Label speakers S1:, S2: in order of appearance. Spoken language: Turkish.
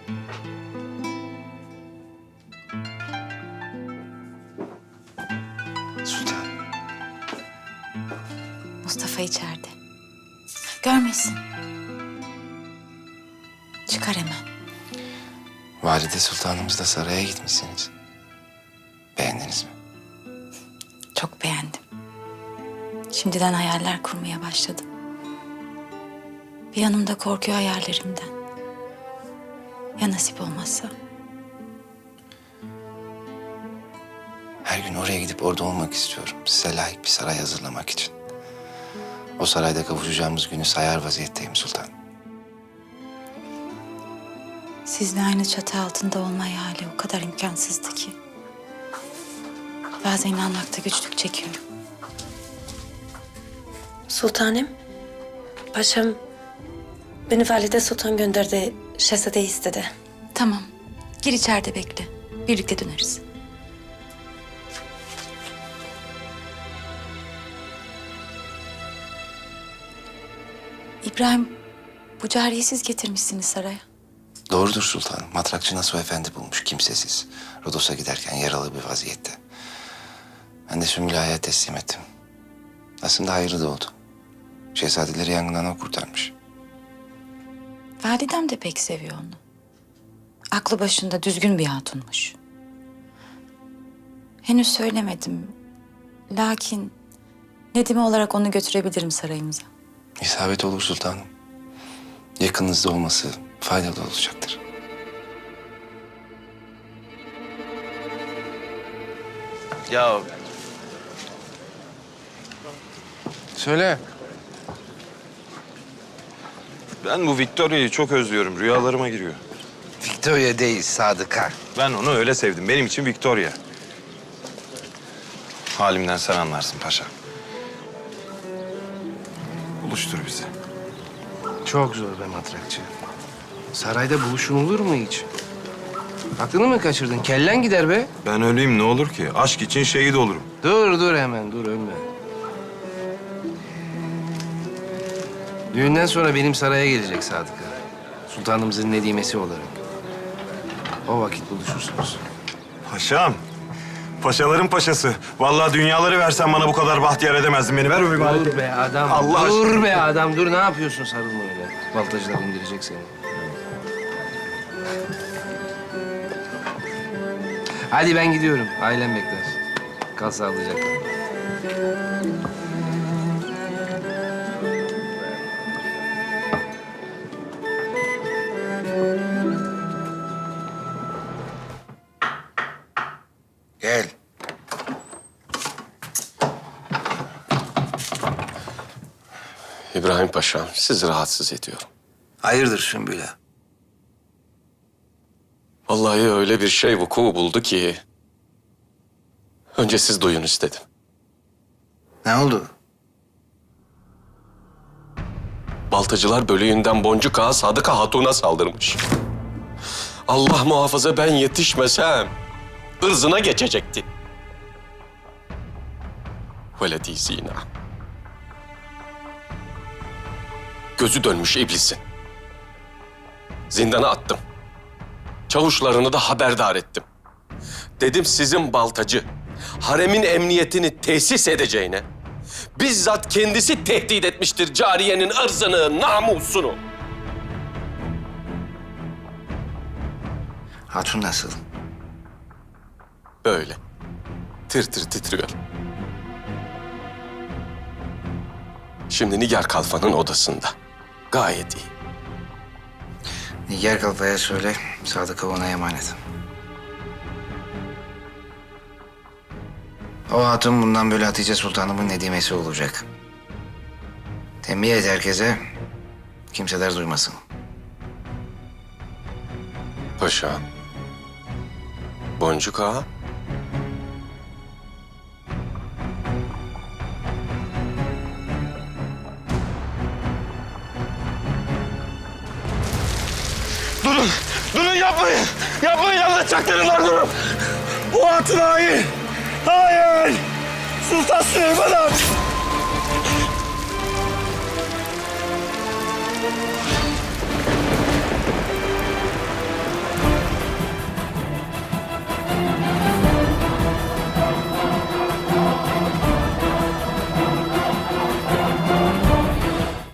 S1: Sultan.
S2: Mustafa içeride. Görmesin. Çıkar hemen.
S1: Valide Sultanımızla saraya gitmişsiniz. Beğendiniz mi?
S2: Çok beğendim. Şimdiden hayaller kurmaya başladım. Bir yanım da korkuyor hayallerimden. Ya nasip olmazsa?
S1: Her gün oraya gidip orada olmak istiyorum. Size layık bir saray hazırlamak için. O sarayda kavuşacağımız günü sayar vaziyetteyim sultan.
S2: Sizle aynı çatı altında olma hayali o kadar imkansızdı ki. Bazen inanmakta güçlük çekiyorum.
S3: Sultanım, paşam beni Valide Sultan gönderdi, şehzade istedi.
S2: Tamam. Gir içeride bekle. Birlikte döneriz. İbrahim, bu cariyeyi siz getirmişsiniz saraya.
S1: Doğrudur sultanım. Matrakçı Nasuh Efendi bulmuş, kimsesiz. Rodos'a giderken yaralı bir vaziyette. Ben de Sümbül Ağa'ya teslim ettim. Aslında hayırlı da oldu. Şehzadeleri yangından o kurtarmış.
S2: Validem de pek seviyor onu. Aklı başında düzgün bir hatunmuş. Henüz söylemedim. Lakin Nedime olarak onu götürebilirim sarayımıza.
S1: İsabet olur sultanım. Yakınınızda olması faydalı olacaktır.
S4: Ya
S1: Söyle.
S4: ben bu Victoria'yı çok özlüyorum. Rüyalarıma giriyor.
S1: Victoria değil, Sadıka.
S4: Ben onu öyle sevdim. Benim için Victoria. Halimden sen anlarsın paşa. Buluştur bizi.
S5: Çok zor be matrakçı. Sarayda buluşulur mu hiç? Aklını mı kaçırdın? Kellen gider be.
S4: Ben öleyim ne olur ki? Aşk için şehit olurum.
S5: Dur hemen dur ölme. Düğünden sonra benim saraya gelecek Sadık'a. Sultanımızın nedimesi olarak. O vakit buluşursunuz.
S4: Paşam. Paşaların paşası. Vallahi dünyaları versen bana bu kadar bahtiyar edemezdin beni. Ver öpeyim.
S5: Dur be adam.
S4: Allah
S5: dur
S4: aşkına.
S5: be adam. Dur ne yapıyorsun sarılma öyle. Baltacılar indirecek seni. Hadi ben gidiyorum. Ailem bekler. Kal sağlıcakla.
S1: Gel.
S6: İbrahim Paşa'm, sizi rahatsız ediyorum.
S1: Hayırdır Sümbül Ağa?
S6: Vallahi öyle bir şey vuku buldu ki... önce siz duyun istedim.
S1: Ne oldu?
S6: Baltacılar bölüğünden Boncuk Ağa Sadıka Hatun'a saldırmış. Allah muhafaza ben yetişmesem... ırzına geçecekti. Veledi zina. Gözü dönmüş iblisin. Zindana attım. Çavuşlarını da haberdar ettim. Dedim sizin baltacı, haremin emniyetini tesis edeceğine... bizzat kendisi tehdit etmiştir cariyenin ırzını, namusunu.
S1: Hatun nasıl?
S6: Böyle. Tir tir titriyor. Şimdi Nigar Kalfa'nın odasında. Gayet iyi.
S1: Nigar Kalfa'ya söyle, Sadık'a ona emanet. O hatun bundan böyle Hatice Sultanımın nedimesi olacak. Tembih et herkese, kimseler duymasın.
S6: Paşa. Boncuk Ağa.
S4: Durun! Durun yapmayın! Yapmayın anlatacaktırlar durun! Bu hatun hain! Hayır! Sultan Süleyman Han!